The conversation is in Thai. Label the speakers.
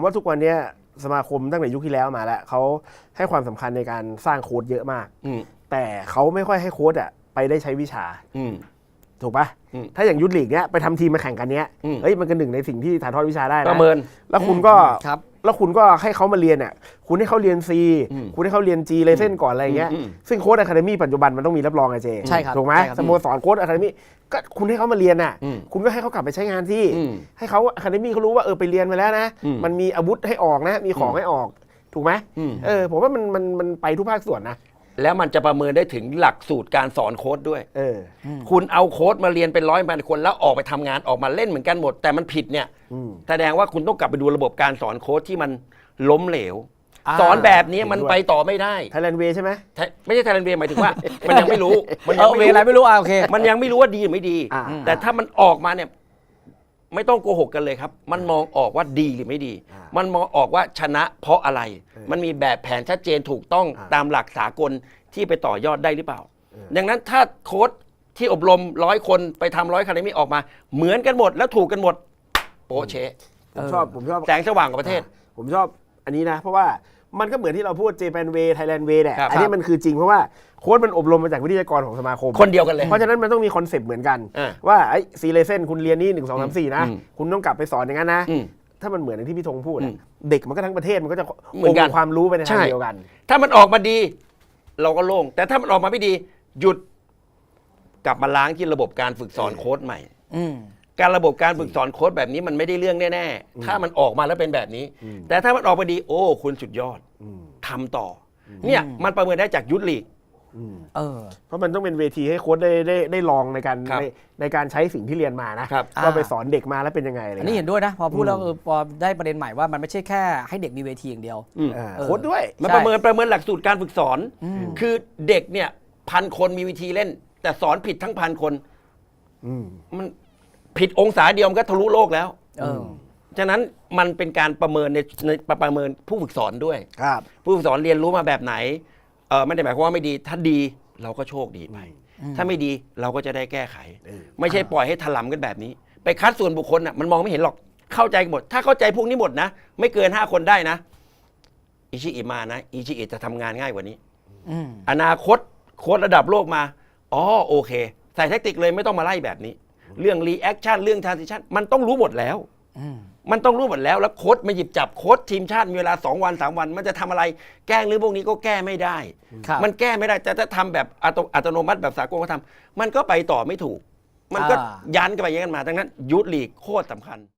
Speaker 1: ว่าทุกวันนี้สมาคมตั้งแต่ยุคที่แล้วมาแล้วเขาให้ความสำคัญในการสร้างโค้ชเยอะมากแต่เขาไม่ค่อยให้โค้ชไปได้ใช้วิชาถูกปะถ้าอย่างยุทธลีกเนี้ยไปทำทีมมาแข่งกันเนี้ยเฮ้ยมันก็หนึ่งในสิ่งที่ถ่ายทอดวิชาได้นะ
Speaker 2: ประเมิน
Speaker 1: แล้วคุณก็ให้เขามาเรียนเนี่ยคุณให้เขาเรียน C คุณให้เขาเรียน G เลยเส้นก่อนอะไรเงี้ยซึ่งโค้ชอะคาเดมี่ปัจจุบันมันต้องมีรับรองไงเจ
Speaker 3: ใช่ครับ
Speaker 1: ถูกไหมสโมสรโค้ชอะคาเดมี่ก็คุณให้เขามาเรียนน่ะคุณก็ให้เขากลับไปใช้งานที่ให้เขาอะคาเดมี่เขารู้ว่าไปเรียนมาแล้วนะมันมีอาวุธให้ออกนะมีของให้ออกถูกไหมผมว่ามันไปทุกภาคส่วนนะ
Speaker 2: แล้วมันจะประเมินได้ถึงหลักสูตรการสอนโค้ชด้วยคุณเอาโค้ชมาเรียนเป็น100 คนแล้วออกไปทำงานออกมาเล่นเหมือนกันหมดแต่มันผิดเนี่ยแสดงว่าคุณต้องกลับไปดูระบบการสอนโค้ชที่มันล้มเหลวสอนแบบนี้มันไปต่อไม่ได้
Speaker 1: ไทยแลนด์เวย์ใช่ไหม
Speaker 2: ไม่ใช่ไทยแลนด์เวย์หมายถึงว่ามันยังไม่รู้
Speaker 3: มันยังไม่รู้โอเค
Speaker 2: มันยังไม่รู้ว่าดีหรือไม่ดีแต่ถ้ามันออกมาเนี่ยไม่ต้องโกหกกันเลยครับมันมองออกว่าดีหรือไม่ดีมันมองออกว่าชนะเพราะอะไรมันมีแบบแผนชัดเจนถูกต้องตามหลักสากลที่ไปต่อยอดได้หรือเปล่าดังนั้นถ้าโค้ชที่อบรม100 คนไปทำ100 คาเดมี่ออกมาเหมือนกันหมดแล้วถูกกันหมดโป๊ะเชะ
Speaker 1: ผมชอบ
Speaker 2: แสงสว่างของประเทศ
Speaker 1: ผมชอบอันนี้นะเพราะว่ามันก็เหมือนที่เราพูดเจแปนเวย์ไทยแลนด์เวย์แหละอันนี้มันคือจริงเพราะว่าโค้ชมันอบรมมาจากวิทยากรของสมาคม
Speaker 2: คนเดียวกันเลย
Speaker 1: เพราะฉะนั้นมันต้องมีคอนเซปต์เหมือนกันว่าไอ้ซีเลเซนคุณเรียนนี่1 2 3 4นะคุณต้องกลับไปสอนอย่างนั้นนะถ้ามันเหมือนอย่างที่พี่ธงพูดเด็กมันก็ทั้งประเทศมันก็จะองค์ความรู้ไปในทางเดียวกัน
Speaker 2: ถ้ามันออกมาดีเราก็โล่งแต่ถ้ามันออกมาไม่ดีหยุดกลับมาล้างที่ระบบการฝึกสอนโค้ชใหม่การระบบการฝึกสอนโค้ชแบบนี้มันไม่ได้เรื่องแน่ๆถ้ามันออกมาแล้วเป็นแบบนี้แต่ถ้ามันออกมาดีโอ้คุณสุดยอดทำต่อเนี่ยมันประเมินได้จากยุทธลีก
Speaker 1: เพราะมันต้องเป็นเวทีให้โค้ชได้ลองในการใช้สิ่งที่เรียนมานะว่าไปสอนเด็กมาแล้วเป็นยังไงอะไร
Speaker 3: อันนี้เห็นด้วยนะพอพูดแล้วพอได้ประเด็นใหม่ว่ามันไม่ใช่แค่ให้เด็กมีเวทีอย่างเดียว
Speaker 1: โค้ชด้วย
Speaker 2: มันประเมินหลักสูตรการฝึกสอนคือเด็กเนี่ย1,000 คนมีวิธีเล่นแต่สอนผิดทั้ง1,000 คนมันผิดองศาเดียวมันก็ทะลุโลกแล้วฉะนั้นมันเป็นการประเมินในประเมินผู้ฝึกสอนด้วยผู้ฝึกสอนเรียนรู้มาแบบไหนไม่ได้หมายความว่าไม่ดีถ้าดีเราก็โชคดีไปถ้าไม่ดีเราก็จะได้แก้ไขไม่ใช่ปล่อยให้ถลำกันแบบนี้ไปคัดส่วนบุคคลมันมองไม่เห็นหรอกเข้าใจหมดถ้าเข้าใจพวกนี้หมดนะไม่เกิน5 คนได้นะอิชิอิมานะอิชิอิจะทำงานง่ายกว่านี้อนาคตโค้ชระดับโลกมาโอเคใส่แทคติกเลยไม่ต้องมาไล่แบบนี้เรื่องรีแอคชั่นเรื่องทรานซิชั่นมันต้องรู้หมดแล้วมันต้องรู้หมดแล้วโค้ชมาหยิบจับโค้ชทีมชาติมีเวลา2 วัน 3 วันมันจะทำอะไรแก้เรื่องพวกนี้ก็แก้ไม่ได้มันแก้ไม่ได้แต่ถ้าทำแบบอัตโนมัติแบบสากลเขาทำมันก็ไปต่อไม่ถูกมันก็ยันกันไปยันกันมาดังนั้นยุทธลีกโคตรสำคัญ